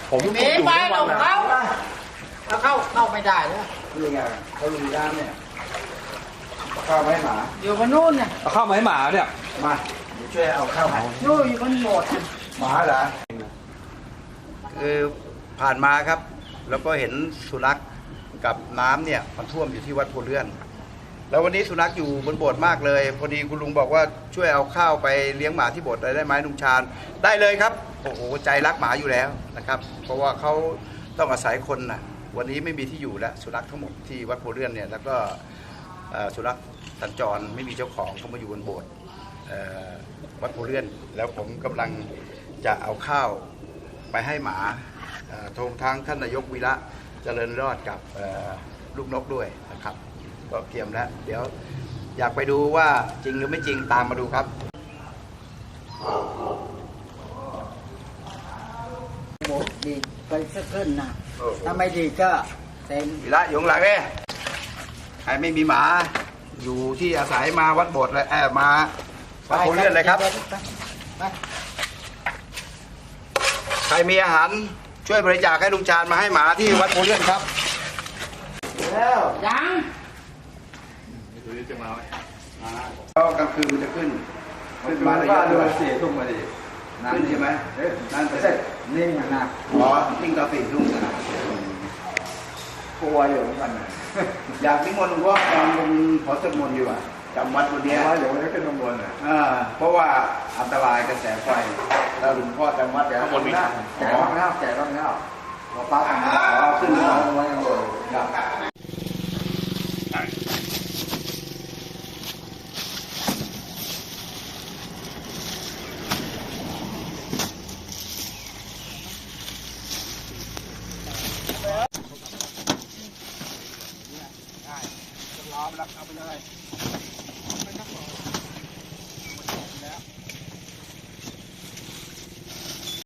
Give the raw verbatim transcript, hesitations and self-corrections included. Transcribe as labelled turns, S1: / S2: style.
S1: ผมหนีไปเราเข้าเราเข้าเข้าไม่ได้แล้ว
S2: คือไงเขาลุยน้ำเนี่ยข้าวให้หมา
S1: อยู่บนนู่นเนี่ย
S3: เอาข้าวมาให้หมาเนี่ย
S2: มาช่วยเอาข้าวให้
S1: นู่นอยู่บนโบสถ์
S2: หมาเหรอคือผ่านมาครับแล้วก็เห็นสุนัขกับน้ำเนี่ยมันท่วมอยู่ที่วัดโพเลื่อนแล้ววันนี้สุนัขอยู่บนโบสถ์มากเลยพอดีคุณลุงบอกว่าช่วยเอาข้าวไปเลี้ยงหมาที่โบสถ์ได้ไหมลุงชาญได้เลยครับโอ้โหใจรักหมาอยู่แล้วนะครับเพราะว่าเขาต้องอาศัยคนนะวันนี้ไม่มีที่อยู่แล้วสุนัขทั้งหมดที่วัดโพเลื่อนเนี่ยแล้วก็สุนัขสัญจรไม่มีเจ้าของเขามาอยู่บนโบสถ์วัดโพเลื่อนแล้วผมกำลังจะเอาข้าวไปให้หมาทงทางท่านนายกวีระเจริญรอดกับลูกนกด้วยนะครับก็เตรียมแล้วเดี๋ยวอยากไปดูว่าจริงหรือไม่จริงตามมาดูครับ
S1: ดีไปสักขึ้นนะถ้าไม่ดีก็เต็ม
S2: วีระอยู่ข้างหลังเนี่ยใครไม่มีหมาอยู่ที่อาศัยมาวัดโบสถ์เลยแอบมาวัดโพเลื่อนเลยครับใครมีอาหารช่วยบริจาคให้ลุงชาญมาให้หมาที่วัดโพเลื่อนครับแล้ว
S1: ยัง
S3: ดูนี่จะมาไหม
S2: ก็กลางคืนมันจะขึ้นขึ้นมาระยะด้วยสี่ทุ่มมาดินั่นใช่ไหมนั่นเสร็จนิ่งนะอ๋อนิ่งตอนสี่ทุ่มนะกลัวอยู่เหมือนกันอยากนิมนต์หลวงพ่อตอนลงขอสวดมนต์อยู่อ่ะจำวัดวันนี้เดี๋ยวนี้ขึ้นลงบนอ่ะเพราะว่าอันตรายกระแสไฟแล้วหลวงพ่อจำวัดแล้วคนมีแจกบ้างแล้วแจกบ้างแล้วพอป้าทำอ๋อขึ้นมาไว้ข้างบนครับล้อมแล้วเอาไปเลย